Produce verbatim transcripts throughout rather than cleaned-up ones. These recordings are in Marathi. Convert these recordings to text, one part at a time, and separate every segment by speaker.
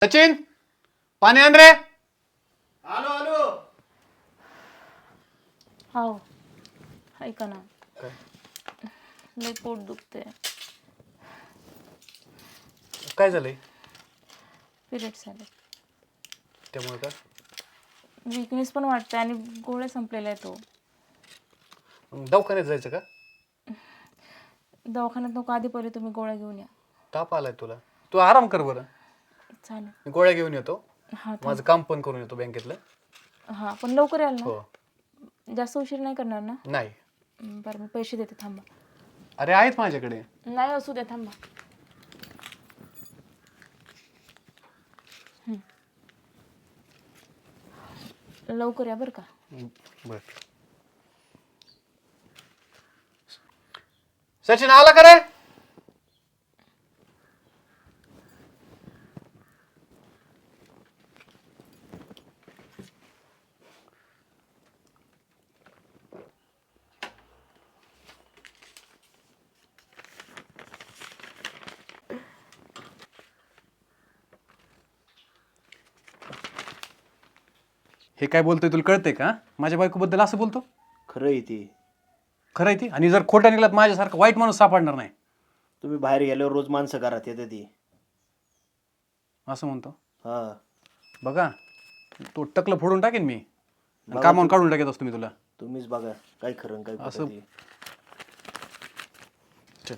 Speaker 1: सचिन पाणी आण रे.
Speaker 2: आलो आलो.
Speaker 3: हो ऐका ना, लय पोट दुखते.
Speaker 1: काय झालंय?
Speaker 3: पिरियड्स आले.
Speaker 1: त्यामुळे का?
Speaker 3: विकनेस पण वाटते आणि गोळ्या संपलेला आहे तो.
Speaker 1: दवाखान्यात जायचं का?
Speaker 3: दवाखान्यात नको, आधी पहिले तुम्ही गोळ्या घेऊन या.
Speaker 1: ताप आलाय तुला, तू आराम कर बरं.
Speaker 3: चालेल.
Speaker 1: मी गोळ्या घेऊन येतो,
Speaker 3: हां
Speaker 1: माझं काम पण करून येतो बँकेतलं.
Speaker 3: हां पण लवकर याल ना.
Speaker 1: हो.
Speaker 3: जास्त उशीर नाही करणार ना?
Speaker 1: नाही.
Speaker 3: बरं मी पैसे देते, थांबा.
Speaker 1: अरे आहेत माझ्याकडे.
Speaker 3: नाही असू दे, थांबा. लवकर या बरं का.
Speaker 1: बर. सचिन आला का रे? हे काय बोलतोय तुला कळतंय का? माझ्या बायकोबद्दल असं बोलतो?
Speaker 2: खरं आहे ती.
Speaker 1: खरं आहे ती. आणि जर खोटा निघाला माझ्यासारखा वाईट माणूस सापडणार नाही.
Speaker 2: तुम्ही बाहेर गेल्यावर रोज माणसं घरात येते ती.
Speaker 1: असं म्हणतो.
Speaker 2: हा
Speaker 1: बघा, तो टकलं फोडून टाकेन मी, कामावून काढून टाकत असतो मी तुला.
Speaker 2: तुम्हीच बघा काय खरं आणि काय खोटं
Speaker 1: असं-
Speaker 2: ते.
Speaker 1: चल.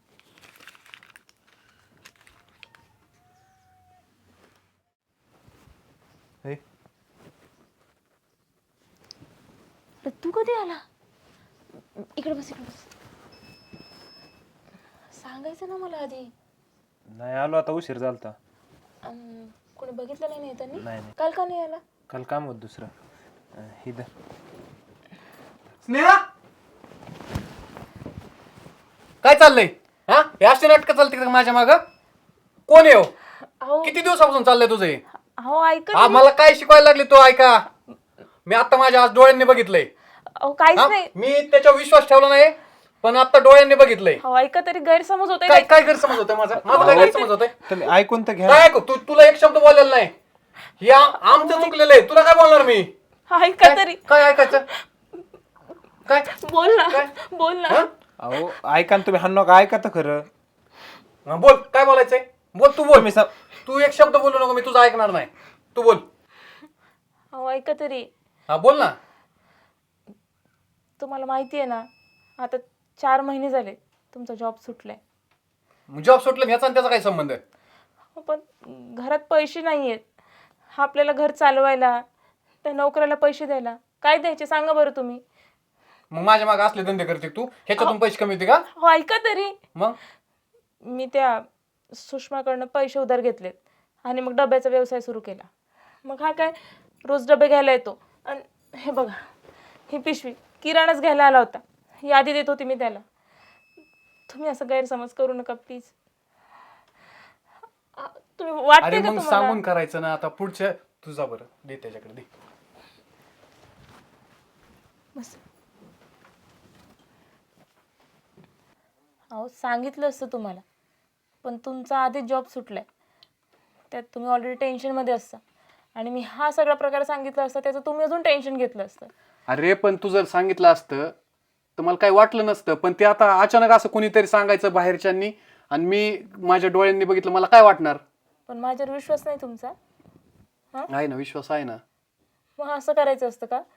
Speaker 1: हे
Speaker 3: तू कधी आला? इकडे बस, इकडे बस. सांगायचं ना मला आधी.
Speaker 4: नाही आलो, आता उशीर झालता.
Speaker 3: अं, कोणी बघितलं नाही ना येताना?
Speaker 4: नाही नाही,
Speaker 3: काल का नाही आला?
Speaker 4: काल काम होत दुसरं. अं, ही धर.
Speaker 1: स्नेहा, काय चाललंय? हा, हे अशी नाटकं चालते का माझ्या माग? कोण आहे हो?
Speaker 3: अहो
Speaker 1: किती दिवसापासून चाललंय तुझं हे?
Speaker 3: अहो ऐका
Speaker 1: हा,
Speaker 3: तरी.
Speaker 1: मला काय शिकवायला लागली तू? ऐका, मी आता माझ्या आज डोळ्यांनी बघितलंय.
Speaker 3: अहो काहीच
Speaker 1: हा?
Speaker 3: नाही.
Speaker 1: मी त्याच्यावर विश्वास ठेवला नाही, पण आता डोळ्यांनी बघितलंय.
Speaker 3: अहो ऐका तरी, गैरसमज होतोय.
Speaker 1: काय काय गैरसमज होतोय माझा? माझा काय गैरसमज होतोय?
Speaker 4: तुम्ही ऐकून तर घ्या.
Speaker 1: काय ऐकू? तू तुला एक शब्द बोललेला नाही. हे आम- आमचं चुकलेलं आहे, तुला काय बोलणार मी?
Speaker 3: ऐका
Speaker 1: काय-
Speaker 3: तरी.
Speaker 1: काय ऐकायचं? काय
Speaker 3: बोल ना,
Speaker 1: काय?
Speaker 3: बोल ना.
Speaker 1: हा?
Speaker 4: अहो ऐका ना तुम्ही, हा नका ऐका तर खरं.
Speaker 1: हा, बोल, काय बोलायचंय? बोल, तू बोल.
Speaker 4: तुम्ही सा-
Speaker 1: तू एक शब्द बोलू नको, मी तुझं ऐकणार नाही. तू बोल.
Speaker 3: अहो ऐका तरी.
Speaker 1: हा, बोल ना.
Speaker 3: तुम्हाला माहिती आहे ना, आता चार महिने झाले तुमचा जॉब सुटलाय.
Speaker 1: जॉब सुटलं ह्याचा आणि त्याचा काय संबंध आहे?
Speaker 3: हो, पण घरात पैसे नाही आहेत. आपल्याला घर चालवायला, त्या नोकऱ्याला पैसे द्यायला काय द्यायचे सांगा बरं तुम्ही.
Speaker 1: मग माझ्या मागे असले धंदे करते तू, ह्याच्यातून पैसे कमी होते का?
Speaker 3: हो ऐका तरी.
Speaker 1: मग
Speaker 3: मी त्या सुषमाकडनं पैसे उधार घेतलेत आणि मग डब्याचा व्यवसाय सुरू केला. मग हा काय रोज डबे घ्यायला येतो. आणि हे बघा, ही पिशवी किराणाच घ्यायला आला होता, यादी देत होती मी त्याला. तुम्ही असं गैरसमज करू नका प्लीज. तुम्ही वाटते
Speaker 1: अरे
Speaker 3: का
Speaker 1: मग
Speaker 3: तुम्हाला?
Speaker 1: सांगून करायचं ना. आता पुढच्या तुझा बरं दे, त्याच्याकडे दे.
Speaker 3: बस. अहो सांगितलं असतं तुम्हाला, पण तुमचा आधीच जॉब सुटलाय, त्यात तुम्ही ऑलरेडी टेन्शनमध्ये असता. आणि मी हा सगळा प्रकार सांगितला असता, त्याचं तुम्ही अजून टेन्शन घेतलं असतं.
Speaker 1: अरे पण तू जर सांगितलं असतं तर मला काही वाटलं नसतं, पण ते आता अचानक असं कोणीतरी सांगायचं बाहेरच्यांनी, आणि मी माझ्या डोळ्यांनी बघितलं, मला काय वाटणार?
Speaker 3: पण माझ्यावर विश्वास नाही तुमचा?
Speaker 1: आहे ना, विश्वास आहे ना.
Speaker 3: मग असं करायचं असतं का?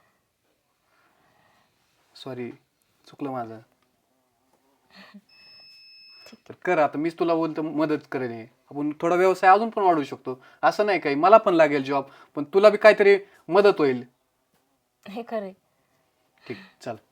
Speaker 1: सॉरी, चुकलं माझं. तर कर, आता मीच तुला बोलतो मदत करेन. हे आपण थोडा व्यवसाय अजून पण वाढवू शकतो. असं नाही काही, मला पण लागेल जॉब, पण तुला बी काहीतरी मदत होईल.
Speaker 3: हे खरंय.
Speaker 1: ठीक, चल.